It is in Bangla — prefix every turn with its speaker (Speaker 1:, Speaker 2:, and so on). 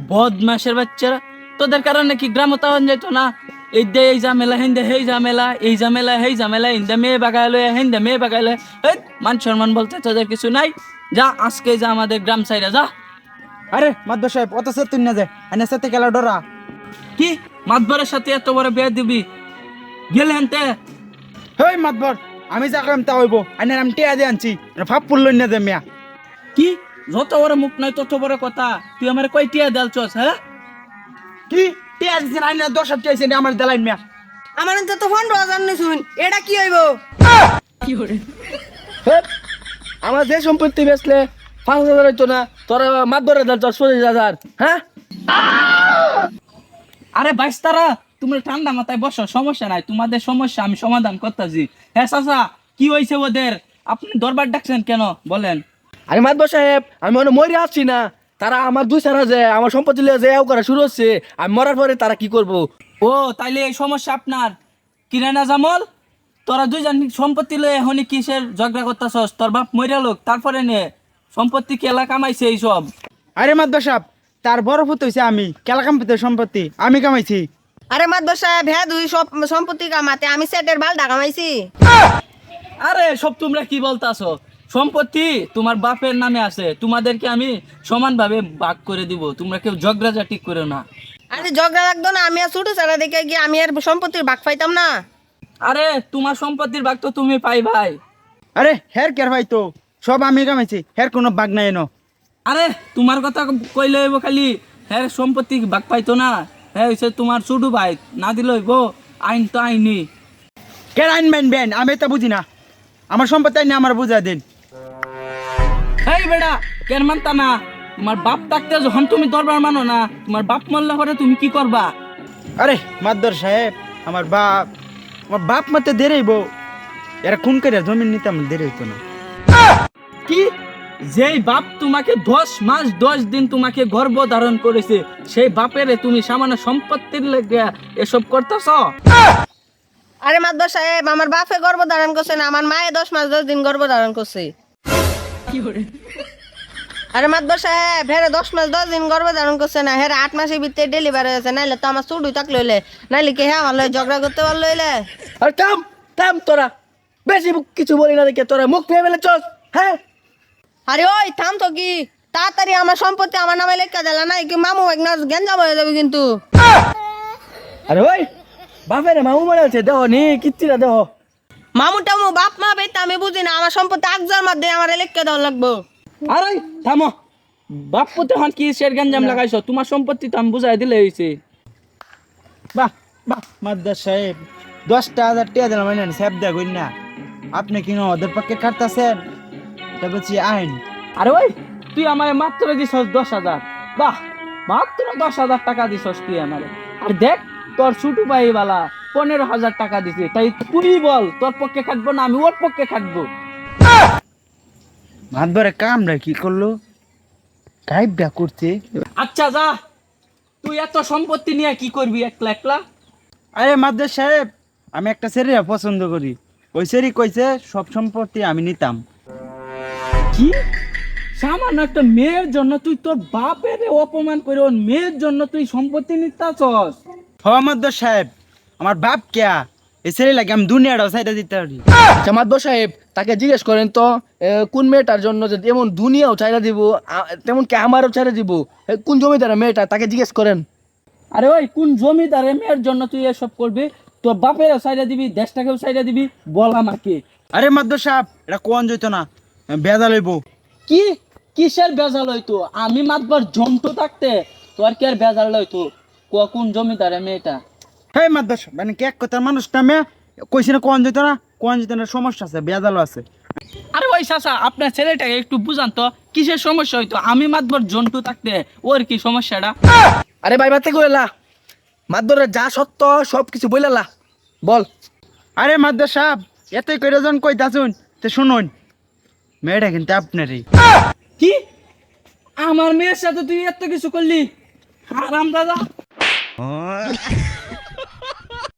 Speaker 1: বদমাশের বাচ্চারা, তোদের কারণে কি গ্রাম তাওয়ান যাইতো না? এই দে এই ঝামেলা, হিন্দে হেই ঝামেলা, এই ঝামেলা হেই ঝামেলা, হিন্দে মেয়ে বাগাইলো, হিন্দে মেয়ে বাগাইলো। মান সম্মান বলতে তোদের কিছু নাই। যা আজকে যা আমাদের গ্রাম সাইডে যা।
Speaker 2: আরে মাদবর সাহেব অত সে তুই না যায় আনে সাথে খেলা ডরা
Speaker 1: কি মাতবরের সাথে এত বড় বিয়ে দিবি? গেলে হেনতে
Speaker 2: হেই মাদবর, আমি যা কাম তা হইব আনে আমি টিয়া দিয়ে আনছি ভাব পুরল না দে মিয়া।
Speaker 1: কি যত বড় মুখ নাই তত বড় কথা। তুই আমার কয় টিয়া দেলছস? হ্যাঁ
Speaker 2: কি টিয়া দিছেন আইনা 10 চাইছেন আমার দেলাইন মিয়া।
Speaker 3: আমার তো 15,000 নি শুন, এটা কি হইব?
Speaker 1: কি করে?
Speaker 4: আমার যে সম্পত্তি বেচলে 5,000 হইতো না, তোরা মাতবরে দেল 40,000। হ্যাঁ
Speaker 1: আরে বাইস্তারা, তুমি ঠান্ডা মাথায় বসো, সমস্যা নাই। তোমাদের সমস্যা আমি সমাধান করতেছি। হ্যাঁ চাচা, কি হয়েছে ওদের? আপনি দরবার ডাকছেন কেন বলেন?
Speaker 4: আরে মাতবর সাহেব, আমি মনে মরে আসছি না, তারা আমার দুই সারা যে আমার সম্পত্তি লিয়ে যে এও করা শুরু হচ্ছে। আমি মরার পরে তারা কি করব?
Speaker 1: ও তাইলে এই সমস্যা আপনার? কিরানা জামল, তোরা দুইজন সম্পত্তি লয়ে এখনই কিসের ঝগড়া করতেছস? তোর বাপ মইরা লোক, তারপরে নে সম্পত্তি কেলা কামাইছে এইসব।
Speaker 2: আরে মাদবর সাহেব, তার বড় ফুট হইছে আমি, কেলা কাম্পিতে সম্পত্তি আমি কামাইছি।
Speaker 3: আরে মাদবর সাহেব, হ্যাঁ দুই সব সম্পত্তি কামাতে আমি সেটের বালটা কামাইছি।
Speaker 1: আরে সব তোমরা কি বলতাছো? সম্পত্তি তোমার বাপের নামে আছে, তোমাদেরকে আমি সমানভাবে ভাগ করে দিব। তোমরা কেউ ঝগড়াঝাটি করো না।
Speaker 3: আরে ঝগড়া লাগতো না, আমি আর ছোট ছাড়া দেখে গিয়ে আমি আর সম্পত্তির ভাগ পাইতাম না।
Speaker 1: আরে তোমার সম্পত্তির ভাগ তো তুমি পাই ভাই।
Speaker 2: আরে হের কের ভাই তো সব আমি কামাইছি, হের কোনো বাগ নাই এনো।
Speaker 1: আরে তোমার কথা কইলে হইব খালি? হ্যাঁ সম্পত্তি ভাগ পাইতো না, হ্যাঁ হইছে তোমার ছোট ভাই, না দিলে হইব? আইন তো আইনি।
Speaker 2: কেন আইন বেন বেন আমি তো বুঝি না, আমার সম্পত্তি আইনে আমার বুঝা দিন।
Speaker 1: এই বেড়া, কেন মানতা না? তোমার বাপ থাকতে যখন তুমি দরবার মানো না, তোমার বাপ মরলে পরে তুমি কি করবা?
Speaker 2: আরে মাদবর সাহেব, আমার বাপ মতে দেরেইব, এরা খুন করে জমিন নিতে আমার দেরি হইতো না।
Speaker 1: কি? যেই বাপ তোমাকে 10 মাস 10 দিন তোমাকে গর্ভ ধারণ করেছে, সেই বাপেরে তুমি সামান্য সম্পত্তির লেগে এসব করতেছ?
Speaker 3: আরে মাদবর সাহেব, আমার বাপে গর্ভ ধারণ করছে না, আমার মায়ে 10 মাস 10 দিন গর্ভ ধারণ করছে। আরে মাদবর সাহেব, হ্যাঁ 10 মাস 10 দিন গর্ভ ধারণ করছে না, হ্যাঁ 8 মাসের ভিতরে ডেলিভারি হয়েছে। নাইলে তো আমার চুড়ুই থাকলে হইলে, নাইলে কি হ্যাঁ আমার লগে ঝগড়া করতে পারলো হইলে?
Speaker 4: আরে থাম থাম, তোরা বেশি কিছু বলি না দেখে তোরা মুখ ফেলে চল। হ্যাঁ
Speaker 3: আরে ওই থাম তো, কি তাড়াতাড়ি আমার সম্পত্তি আমার নামে লেখা দিলা, নাই কি মামু একনা গেঞ্জাম হয়ে যাবে কিন্তু।
Speaker 4: আরে ওই বাপের মামু মরে আছে, দেহ নি কিচ্ছিরা দেহ।
Speaker 3: মামু টামু বাপ মা বেতা আমি বুঝি না, আমার সম্পত্তি আকজার মধ্যে আমার লেখা দেওয়া লাগবো।
Speaker 1: আরে থামো, বাপ পুতে হন কি শের গঞ্জাম লাগাইছো? তোমার সম্পত্তি তো আমি বুঝাই দিলে হইছে।
Speaker 2: বাহ বাহ মাদবর সাহেব, 10,000 টাকা দিলাম মানে সাহেব দেয়া কই না, আপনি কি ওদের পক্ষে কাটতেছেন? এটা বলছি আইন।
Speaker 1: আরে ওই তুই আমারে মাত্র দিছস 10,000। বাহ, মাত্র 10,000 টাকা দিছস তুই আমারে। আর দেখ তোর ছোট ভাই বালা 15,000 টাকা দিছে। তাই তুই বল, তোর পক্ষে খাটবো না আমি ওর পক্ষে খাটবো?
Speaker 2: মাদবরে কামরা কি করলো, গাইবটা করছে।
Speaker 1: আচ্ছা যা, তুই এত সম্পত্তি নিয়ে কি করবি একলা একলা?
Speaker 2: আরে মাদবর সাহেব, আমি একটা ছেলে পছন্দ করি, ওই ছেলে কইছে সব সম্পত্তি আমি নিতাম।
Speaker 1: কি সামান্য একটা মেয়ের জন্য তুই তোর বাপের অপমান করে ওর মেয়ের জন্য তুই সম্পত্তি নিতাছস?
Speaker 2: হ মাদবর সাহেব, আমার বাপ কেয়া এই ছেলে লাগে আমি দুনিয়াটাও সাইডে দিতে পারি।
Speaker 4: আচ্ছা মাতবর সাহেব, তাকে জিজ্ঞেস করেন তো কোন মেয়েটার জন্য যদি এমন দুনিয়াও চাইরা দিব, তেমন কি আমারও চাইরা দিব? কোন জমিদার মেয়েটা, তাকে জিজ্ঞেস করেন।
Speaker 1: আরে ওই কোন জমিদারের মেয়ের জন্য তুই এসব করবি? তোর বাপেরও সাইডা দিবি, দেশটাকেও সাইডা দিবি, বল আমাকে।
Speaker 2: আরে মাদবর সাহেব, এটা কোন যেত না, বেদা লইব।
Speaker 1: কি কিসের বেজাল হইতো? আমি মাতবার জন্টু থাকতে তোর কি আর বেজাল হইতো? কোন জমিদারের মেয়েটা?
Speaker 2: হে মাদবর সাহেব, মানে কি এক কথার মানুষটা মেয়ে কইছি না কোন যেত না, কোন যেত না, সমস্যা আছে, বেদালও আছে।
Speaker 1: আরে ওই চাচা, আপনার ছেলেটাকে একটু বুঝান তো কিসের সমস্যা হইতো? আমি মাতবার জন্টু থাকতে ওর কি সমস্যাটা?
Speaker 4: আরে ভাই বাতে কইলা, মাতবরের যা সত্য সব কিছু বইলালা, বল।
Speaker 2: আরে মাদবর সাহেব, এতই করে জন কইতাছুন তো শুনুন, মেয়েটা কিন্তু আপনারই।
Speaker 1: কি আমার মেয়ের সাথে তুই এত কিছু করলি? হারাম দাদা।